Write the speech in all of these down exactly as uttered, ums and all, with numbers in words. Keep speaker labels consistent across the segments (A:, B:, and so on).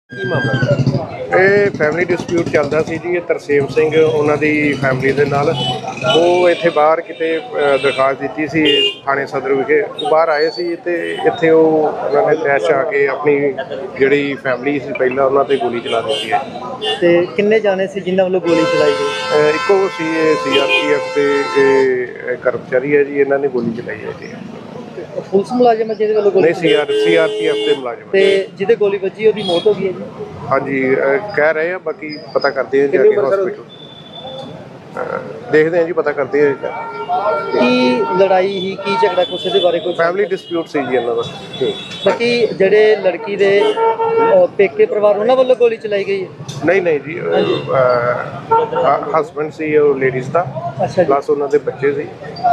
A: ਇਹ family dispute ਚੱਲਦਾ ਸੀ ਜੀ। ਇਹ ਤਰਸੇਮ ਸਿੰਘ ਉਹਨਾਂ ਦੀ ਫੈਮਿਲੀ ਦੇ ਨਾਲ ਉਹ ਇੱਥੇ ਬਾਹਰ ਕਿਤੇ ਦਰਖਾਸਤ ਦਿੱਤੀ ਸੀ ਥਾਣੇ ਸਦਰ ਵਿਖੇ। ਉਹ ਬਾਹਰ ਆਏ ਸੀ ਤੇ ਇੱਥੇ ਉਹ ਉਹਨਾਂ ਨੇ ਤੈਸ਼ ਆ ਕੇ ਆਪਣੀ ਜਿਹੜੀ ਫੈਮਿਲੀ ਸੀ ਪਹਿਲਾਂ ਉਹਨਾਂ ਤੇ ਗੋਲੀ ਚਲਾ ਦਿੱਤੀ ਹੈ।
B: ਤੇ ਕਿੰਨੇ ਜਾਣੇ ਸੀ ਜਿਨ੍ਹਾਂ ਵੱਲੋਂ ਗੋਲੀ ਚਲਾਈ ਗਈ?
A: ਇੱਕੋ ਸੀ ਸੀ ਆਰ ਪੀ ਐਫ ਦੇ ਇਹ ਕਰਮਚਾਰੀ ਹੈ ਜੀ, ਇਹਨਾਂ ਨੇ ਗੋਲੀ ਚਲਾਈ ਹੈ ਜੀ।
B: ਪੁਲਿਸ ਮੁਲਾਜ਼ਮ ਹੈ ਜਿਹਦੇ ਵੱਲੋਂ ਗੋਲੀ?
A: ਨਹੀਂ, C R C R P F ਦੇ ਮੁਲਾਜ਼ਮ।
B: ਤੇ ਜਿਹਦੇ ਗੋਲੀ ਵੱਜੀ ਉਹਦੀ ਮੌਤ ਹੋ ਗਈ ਹੈ ਜੀ?
A: ਹਾਂਜੀ, ਕਹਿ ਰਹੇ ਆ, ਬਾਕੀ ਪਤਾ ਕਰਦੇ ਆ ਜਾ ਕੇ ਹਸਪੀਟਲ ਦੇਖਦੇ ਆ ਜੀ, ਪਤਾ ਕਰਦੇ ਆ।
B: ਕੀ ਲੜਾਈ ਹੀ ਕੀ ਝਗੜਾ ਕੁਛ ਦੇ ਬਾਰੇ ਕੋਈ?
A: ਫੈਮਿਲੀ ਡਿਸਪਿਊਟ ਸੀ ਜੀ ਇਹਨਾਂ ਦਾ।
B: ਬਾਕੀ ਜਿਹੜੇ ਲੜਕੀ ਦੇ ਪੇਕੇ ਪਰਿਵਾਰ ਉਹਨਾਂ ਵੱਲੋਂ ਗੋਲੀ ਚਲਾਈ ਗਈ ਹੈ?
A: ਨਹੀਂ ਨਹੀਂ ਜੀ, ਹਸਬੈਂਡ ਸੀ ਉਹ ਲੇਡੀਜ਼ ਦਾ, ਪਲੱਸ ਉਹਨਾਂ ਦੇ ਬੱਚੇ ਸੀ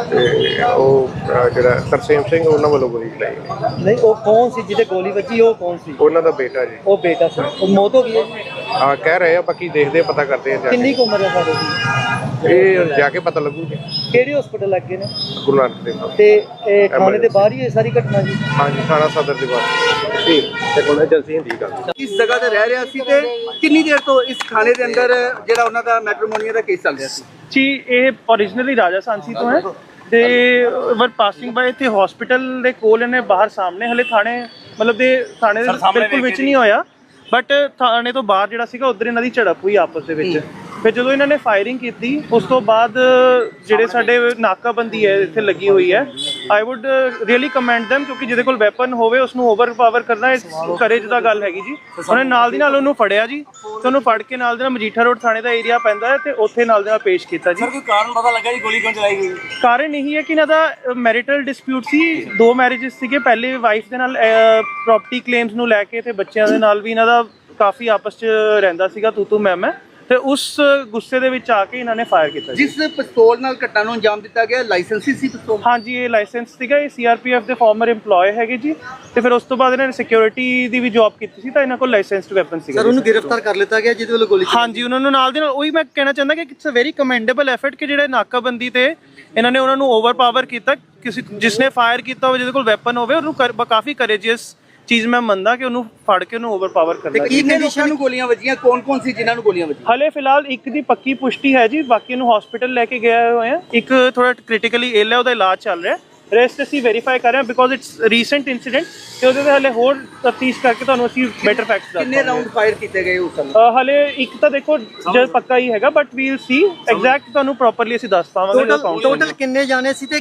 A: ਤੇ ਉਹ ਜਿਹੜਾ ਤਰਸੇਮ ਸਿੰਘ ਉਹਨਾਂ ਵੱਲੋਂ ਗੋਲੀ ਚਲਾਈ ਗਈ।
B: ਨਹੀਂ, ਉਹ ਕੌਣ ਸੀ ਜਿਹਦੇ ਗੋਲੀ ਵੱਜੀ? ਉਹ ਕੌਣ ਸੀ?
A: ਉਹਨਾਂ ਦਾ ਬੇਟਾ ਜੀ।
B: ਉਹ ਬੇਟਾ ਸੀ, ਉਹ ਮੌਤ ਹੋ ਗਈ ਹੈ?
A: ਹਾਂ, ਕਹਿ ਰਹੇ ਆ, ਬਾਕੀ ਦੇਖਦੇ ਆ, ਪਤਾ ਕਰਦੇ ਆ ਜਾ
B: ਕਿੰਨੀ
A: ਕੇ।
B: ਕੁ ਉਮਰ ਹੈ ਸਾਡੇ ਦੀ?
A: ਇਹ ਜਾ ਕੇ ਪਤਾ ਲੱਗੂ ਜੀ।
B: ਕਿਹੜੇ ਹਸਪੀਟਲ ਲੱਗੇ ਨੇ?
A: ਗੁਰੂ ਨਾਨਕ ਦੇਵ।
B: ਤੇ ਇਹ ਥਾਣੇ ਦੇ ਬਾਹਰ ਹੀ ਇਹ ਸਾਰੀ ਘਟਨਾ ਜੀ?
A: ਹਾਂਜੀ, ਥਾਣਾ ਸਦਰ ਦੇ ਬਾਹਰ। ਠੀਕ ਤੇ ਕੋਲ ਏਜੰਸੀ ਹੁੰਦੀ ਗੱਲ।
C: ਇਸ ਜਗ੍ਹਾ ਤੇ ਰਹਿ ਰਿਹਾ ਸੀ ਤੇ ਕਿੰਨੀ ਦੇਰ ਤੋਂ ਇਸ ਥਾਣੇ ਦੇ ਅੰਦਰ ਜਿਹੜਾ ਉਹਨਾਂ ਦਾ ਮੈਟਰੋਮੋਨੀਆ ਦਾ ਕੇਸ ਚੱਲ ਰਿਹਾ ਸੀ?
D: ਜੀ, ਇਹ ਓਰੀਜਨਲੀ ਰਾਜਾ ਸਾਂਸੀ ਤੋਂ ਹੈ ਤੇ ਵਰ ਪਾਸਿੰਗ ਬਾਏ ਤੇ ਹਸਪੀਟਲ ਦੇ ਕੋਲ ਇਹਨੇ ਬਾਹਰ ਸਾਹਮਣੇ ਹਲੇ ਥਾਣੇ ਮਤਲਬ ਦੇ ਥਾਣੇ ਦੇ ਬਿਲਕੁਲ ਵਿੱਚ ਨਹੀਂ ਹੋਇਆ, ਬਟ ਥਾਣੇ ਤੋਂ ਬਾਹਰ ਜਿਹੜਾ ਸੀਗਾ ਉਧਰ ਇਹਨਾਂ ਦੀ ਝੜਪ ਹੋਈ ਆਪਸ ਦੇ ਵਿੱਚ। ਫਿਰ ਜਦੋਂ ਇਹਨਾਂ ਨੇ ਫਾਇਰਿੰਗ ਕੀਤੀ ਉਸ ਤੋਂ ਬਾਅਦ ਜਿਹੜੇ ਸਾਡੇ ਨਾਕਾਬੰਦੀ ਹੈ ਇੱਥੇ ਲੱਗੀ ਹੋਈ ਹੈ, I would really commend them, ਕਿਉਂਕਿ ਜਿਹਦੇ ਕੋਲ ਵੈਪਨ ਹੋਵੇ ਉਸਨੂੰ ਓਵਰਪਾਵਰ ਕਰਨਾ ਕਰੇਜ ਦਾ ਗੱਲ ਹੈਗੀ ਜੀ। ਉਹਨੇ ਨਾਲ ਦੀ ਨਾਲ ਉਹਨੂੰ ਫੜਿਆ ਜੀ ਤੇ ਉਹਨੂੰ ਫੜ ਕੇ ਨਾਲ ਦੇ ਨਾਲ ਮਜੀਠਾ ਰੋਡ ਥਾਣੇ ਦਾ ਏਰੀਆ ਪੈਂਦਾ ਹੈ ਤੇ ਉੱਥੇ ਨਾਲ ਦੇ ਨਾਲ ਪੇਸ਼ ਕੀਤਾ ਜੀ।
C: ਕੋਈ ਕਾਰਨ ਪਤਾ ਲੱਗਾ ਜੀ ਗੋਲੀ ਕਿਉਂ ਚਲਾਈ ਗਈ?
D: ਕਾਰਨ ਇਹੀ ਹੈ ਕਿ ਇਹਨਾਂ ਦਾ ਮੈਰਿਟਲ ਡਿਸਪਿਊਟ ਸੀ, ਦੋ ਮੈਰਿਜਸ ਸੀਗੇ। ਪਹਿਲੇ ਵਾਈਫ ਦੇ ਨਾਲ ਪ੍ਰੋਪਰਟੀ ਕਲੇਮਸ ਨੂੰ ਲੈ ਕੇ ਤੇ ਬੱਚਿਆਂ ਦੇ ਨਾਲ ਵੀ ਇਹਨਾਂ ਦਾ ਕਾਫੀ ਆਪਸ 'ਚ ਰਹਿੰਦਾ ਸੀਗਾ ਤੂੰ ਤੂੰ ਮੈਂ ਮੈਂ, ਤੇ ਉਸ ਗੁੱਸੇ ਦੇ ਵਿੱਚ ਆ ਕੇ ਇਹਨਾਂ ਨੇ ਫਾਇਰ ਕੀਤਾ।
C: ਜਿਸ ਪਿਸਤੌਲ ਨਾਲ ਘਟਨਾ ਨੂੰ ਅੰਜਾਮ ਦਿੱਤਾ ਗਿਆ ਲਾਇਸੈਂਸੀ ਸੀ ਪਿਸਤੌਲ?
D: ਹਾਂਜੀ, ਇਹ ਲਾਇਸੈਂਸ ਸੀਗਾ। ਇਹ ਸੀ ਆਰ ਪੀ ਐਫ ਦੇ ਫਾਰਮਰ EMPLOYE ਹੈਗੇ ਜੀ ਤੇ ਫਿਰ ਉਸ ਤੋਂ ਬਾਅਦ ਇਹਨਾਂ ਨੇ ਸਿਕਿਉਰਿਟੀ ਦੀ ਵੀ ਜੌਬ ਕੀਤੀ ਸੀ ਤਾਂ ਇਹਨਾਂ ਕੋਲ ਲਾਇਸੈਂਸਡ ਵੈਪਨ ਸੀਗਾ।
B: ਸਰ, ਉਹਨੂੰ ਗ੍ਰਿਫਤਾਰ ਕਰ ਲਿੱਤਾ ਗਿਆ ਜਿਹਦੇ ਵੱਲੋਂ ਗੋਲੀ?
D: ਹਾਂਜੀ, ਉਹਨਾਂ ਨੂੰ ਨਾਲ ਦੇ ਨਾਲ ਉਹੀ ਮੈਂ ਕਹਿਣਾ ਚਾਹੁੰਦਾ ਕਿ it's a very commendable effort ਕਿ ਜਿਹੜੇ ਨਾਕਾਬੰਦੀ ਤੇ ਇਹਨਾਂ ਨੇ ਉਹਨਾਂ ਨੂੰ ਓਵਰਪਾਵਰ ਕੀਤਾ। ਕਿਸੇ ਜਿਸਨੇ ਫਾਇਰ ਕੀਤਾ ਹੋਵੇ, ਜਿਹਦੇ ਕੋਲ ਵੈਪਨ ਹੋਵੇ, ਉਹਨੂੰ ਕਾਫੀ ਕਰੇਜੀਅਸ ਚੀਜ਼ ਮੈਂ ਮੰਨਦਾ ਕਿ ਉਹਨੂੰ ਫੜ ਕੇ ਉਹਨੂੰ ਓਵਰਪਾਵਰ ਕਰਨਾ।
C: ਕਿੰਨੇ ਲੋਕਾਂ ਨੂੰ ਗੋਲੀਆਂ ਵੱਜੀਆਂ? ਕੌਣ ਕੌਣ ਸੀ ਜਿਨ੍ਹਾਂ ਨੂੰ ਗੋਲੀਆਂ ਵੱਜੀਆਂ?
D: ਹਲੇ ਫਿਲਹਾਲ ਇੱਕ ਦੀ ਪੱਕੀ ਪੁਸ਼ਟੀ ਹੈ ਜੀ, ਬਾਕੀ ਨੂੰ ਹਸਪੀਟਲ ਲੈ ਕੇ ਗਏ ਹੋਏ ਆ। ਇੱਕ ਥੋੜਾ ਕ੍ਰਿਟੀਕਲੀ ਇਲ ਹੈ, ਉਹਦਾ ਇਲਾਜ ਚੱਲ ਰਿਹਾ। ਰੈਸਟ ਅਸੀਂ ਵੈਰੀਫਾਈ ਕਰ ਰਹੇ ਹਾਂ ਬਿਕੋਜ਼ ਇਟਸ ਰੀਸੈਂਟ ਇਨਸੀਡੈਂਟ ਤੇ ਉਹਦੇ ਤੇ ਹਲੇ ਹੋਰ ਤਫਤੀਸ਼ ਕਰਕੇ ਤੁਹਾਨੂੰ ਅਸੀਂ ਬੈਟਰ ਫੈਕਟਸ ਦੱਸਾਂਗੇ।
C: ਕਿੰਨੇ ਰਾਉਂਡ ਫਾਇਰ ਕੀਤੇ ਗਏ ਉਸ ਸਮੇਂ?
D: ਹਲੇ ਇੱਕ ਤਾਂ ਦੇਖੋ ਜਦ ਪੱਕਾ ਹੀ ਹੈਗਾ, but we will see exact ਤੁਹਾਨੂੰ ਪ੍ਰੋਪਰਲੀ ਅਸੀਂ ਦੱਸ ਪਾਵਾਂਗੇ।
B: ਟੋਟਲ ਕਿੰਨੇ ਜਾਣੇ ਸੀ ਤੇ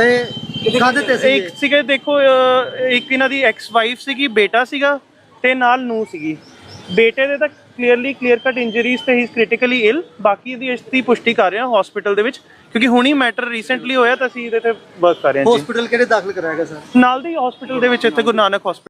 B: ਕਾਹਦੇ ਤੇ ਸੀ?
D: ਇੱਕ ਸੀਗੇ ਦੇਖੋ, ਇੱਕ ਇਹਨਾਂ ਦੀ ਐਕਸ ਵਾਈਫ ਸੀਗੀ, ਬੇਟਾ ਸੀਗਾ ਤੇ ਨਾਲ ਨੂੰ ਸੀਗੀ। ਬੇਟੇ ਦੇ ਤਾਂ ਕਲੀਅਰਲੀ ਕਲੀਅਰ ਕੱਟ ਇੰਜਰੀਜ਼ ਤੇ ਹੀ ਇਜ਼ ਕ੍ਰਿਟੀਕਲੀ ਇਲ। ਬਾਕੀ ਦੀ ਇਸ ਦੀ ਪੁਸ਼ਟੀ ਕਰ ਰਹੇ ਹਾਂ ਹਸਪੀਟਲ ਦੇ ਵਿੱਚ, ਕਿਉਂਕਿ ਹੁਣੀ ਮੈਟਰ ਰੀਸੈਂਟਲੀ ਹੋਇਆ ਤਾਂ ਅਸੀਂ ਇਹਦੇ ਤੇ ਵਰਕ ਕਰ ਰਹੇ ਹਾਂ ਜੀ।
B: ਹਸਪੀਟਲ ਕਿਹੜੇ ਦਾਖਲ ਕਰਾਇਆ ਗਿਆ ਸਰ?
D: ਨਾਲ ਦੇ ਹਸਪੀਟਲ ਦੇ ਵਿੱਚ, ਇੱਥੇ ਗੁਰੂ ਨਾਨਕ ਹਸਪੀਟਲ